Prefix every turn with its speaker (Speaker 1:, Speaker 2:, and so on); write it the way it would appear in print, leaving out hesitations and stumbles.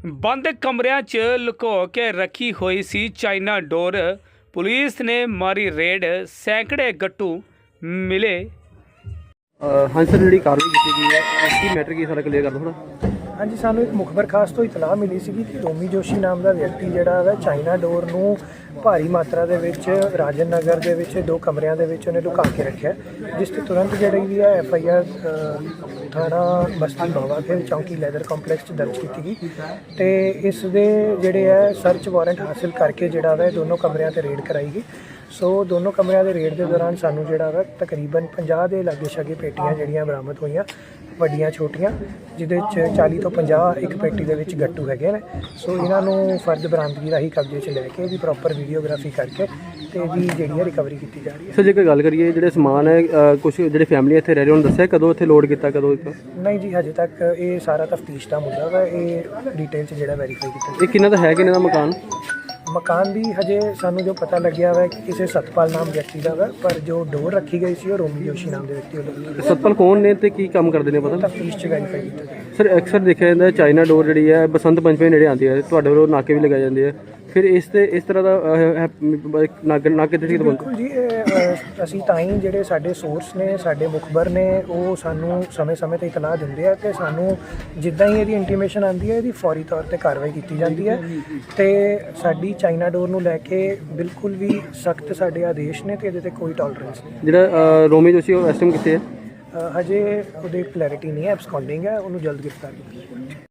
Speaker 1: ਬੰਦ ਕਮਰਿਆਂ 'ਚ ਲੁਕੋ ਕੇ ਰੱਖੀ ਹੋਈ ਸੀ ਚਾਈਨਾ ਡੋਰ। ਪੁਲਿਸ ਨੇ ਮਾਰੀ ਰੇਡ, ਸੈਂਕੜੇ ਗੱਟੂ ਮਿਲੇ।
Speaker 2: हाँ सर, जी कार्रवाई की गई है की मैटर की सारा क्लीयर कर दो थोड़ा।
Speaker 3: हाँ जी, सानू एक मुखबर खास तो इतलाह मिली सी कि रोमी जोशी नाम का व्यक्ति जिहड़ा है चाइना डोर नूं भारी मात्रा दे विच राजन नगर दे विच 2 कमरिਆਂ ਦੇ ਵਿੱਚ ਉਹਨੇ लुका के रखिया, जिस ते तुरंत जिहड़ी भी है FIR थाना बस्ती बावा के चौंकी लैदर कॉम्पलैक्स दर्ज की गई ते इस दे जिहड़े है सर्च वारंट हासिल करके जिहड़ा है दोनों कमरिਆਂ ते रेड कराई गई। सो दोनों कमरिਆਂ ਦੇ रेड के दौरान सानू जिहड़ा है तकरीबन 50 ਦੇ लागे छागे पेटियां जिहड़ियां बरामद होईयां, ਵੱਡੀਆਂ ਛੋਟੀਆਂ, ਜਿਹਦੇ 'ਚ 40 ਤੋਂ 50 ਇੱਕ ਪੇਟੀ ਦੇ ਵਿੱਚ ਗੱਟੂ ਹੈਗੇ ਨੇ। ਸੋ ਇਹਨਾਂ ਨੂੰ ਫਰਦ ਬਰਾਮਦਗੀ ਰਾਹੀਂ ਕਬਜ਼ੇ 'ਚ ਲੈ ਕੇ ਇਹਦੀ ਪ੍ਰੋਪਰ ਵੀਡੀਓਗ੍ਰਾਫੀ ਕਰਕੇ ਤੇ ਇਹਦੀ ਜਿਹੜੀ ਹੈ ਰਿਕਵਰੀ ਕੀਤੀ ਜਾ ਰਹੀ ਹੈ।
Speaker 2: ਸਰ ਜੇਕਰ ਗੱਲ ਕਰੀਏ ਜਿਹੜੇ ਸਮਾਨ ਹੈ ਕੁਝ ਜਿਹੜੇ ਫੈਮਿਲੀ ਇੱਥੇ ਰਹਿ ਰਹੇ ਉਹਨਾਂ ਦੱਸਿਆ ਕਦੋਂ ਇੱਥੇ ਲੋਡ ਕੀਤਾ ਕਦੋਂ ਕੀਤਾ?
Speaker 3: ਨਹੀਂ ਜੀ, ਹਜੇ ਤੱਕ ਇਹ ਸਾਰਾ ਤਫਤੀਸ਼ ਦਾ ਮੁੱਦਾ ਵਾ, ਇਹ ਡਿਟੇਲ 'ਚ ਜਿਹੜਾ ਵੈਰੀਫਾਈ ਕੀਤਾ।
Speaker 2: ਇਹ ਕਿੰਨਾ ਦਾ ਹੈ ਕਿੰਨਾ ਦਾ ਮਕਾਨ?
Speaker 3: ਮਕਾਨ ਦੀ ਹਜੇ ਸਾਨੂੰ ਜੋ ਪਤਾ ਲੱਗਿਆ ਵਾ ਕਿ ਕਿਸੇ ਸਤਪਾਲ ਨਾਮ ਵਿਅਕਤੀ ਦਾ ਵਾ, ਪਰ ਜੋ ਡੋਰ ਰੱਖੀ ਗਈ ਸੀ ਉਹ ਰੋਮੀ ਜੋਸ਼ੀ ਨਾਮ ਦੇ ਵਿਅਕਤੀ ਵੱਲੋਂ।
Speaker 2: ਸਤਪਾਲ ਕੌਣ ਨੇ ਤੇ ਕੀ ਕੰਮ ਕਰਦੇ ਨੇ ਪਤਾ?
Speaker 3: ਤਫਤੀਸ਼ 'ਚ ਵੈਰੀਫਾਈ ਕੀਤਾ ਜਾਏਗਾ।
Speaker 2: ਸਰ ਅਕਸਰ ਦੇਖਿਆ ਜਾਂਦਾ ਚਾਈਨਾ ਡੋਰ ਜਿਹੜੀ ਹੈ ਬਸੰਤ ਪੰਚਮੀ ਨੇੜੇ ਆਉਂਦੀ ਹੈ, ਤੁਹਾਡੇ ਵੱਲੋਂ ਨਾਕੇ ਵੀ ਲਗਾਏ ਜਾਂਦੇ ਆ, ਫਿਰ ਇਸ ਤਰ੍ਹਾਂ ਦਾ ਨਾਕੇ ਤੇ
Speaker 3: ਬਿਲਕੁਲ ਜੀ, ਅਸੀਂ ਤਾਂ ਹੀ ਜਿਹੜੇ ਸਾਡੇ ਸੋਰਸ ਨੇ, ਸਾਡੇ ਮੁਖਬਰ ਨੇ, ਉਹ ਸਾਨੂੰ ਸਮੇਂ-ਸਮੇਂ ਤੇ ਇਤਲਾਹ ਦਿੰਦੇ ਆ ਕਿ ਸਾਨੂੰ ਜਿੱਦਾਂ ਹੀ ਇਹਦੀ ਇੰਟੀਮੇਸ਼ਨ ਆਉਂਦੀ ਹੈ ਇਹਦੀ ਫੌਰੀ ਤੌਰ ਤੇ ਕਾਰਵਾਈ ਕੀਤੀ ਜਾਂਦੀ ਹੈ ਤੇ ਸਾਡੀ ਚਾਈਨਾ ਡੋਰ ਨੂੰ ਲੈ ਕੇ ਬਿਲਕੁਲ ਵੀ ਸਖਤ ਸਾਡੇ ਆਦੇਸ਼ ਨੇ ਤੇ ਇਹਦੇ ਤੇ ਕੋਈ ਟੋਲਰੈਂਸ ਨਹੀਂ।
Speaker 2: ਜਿਹੜਾ ਰੋਮੀ ਜੋਸ਼ੀ ਉਹ ਇਸ ਟਾਈਮ ਕਿੱਥੇ ਹੈ?
Speaker 3: ਹਜੇ ਉਹਦੀ ਕਲੈਰਿਟੀ ਨਹੀਂ ਹੈ, ਐਬਸਕੌਂਡਿੰਗ ਹੈ, ਉਹਨੂੰ ਜਲਦ ਗ੍ਰਿਫਤਾਰ ਕੀਤਾ ਜਾਏਗਾ।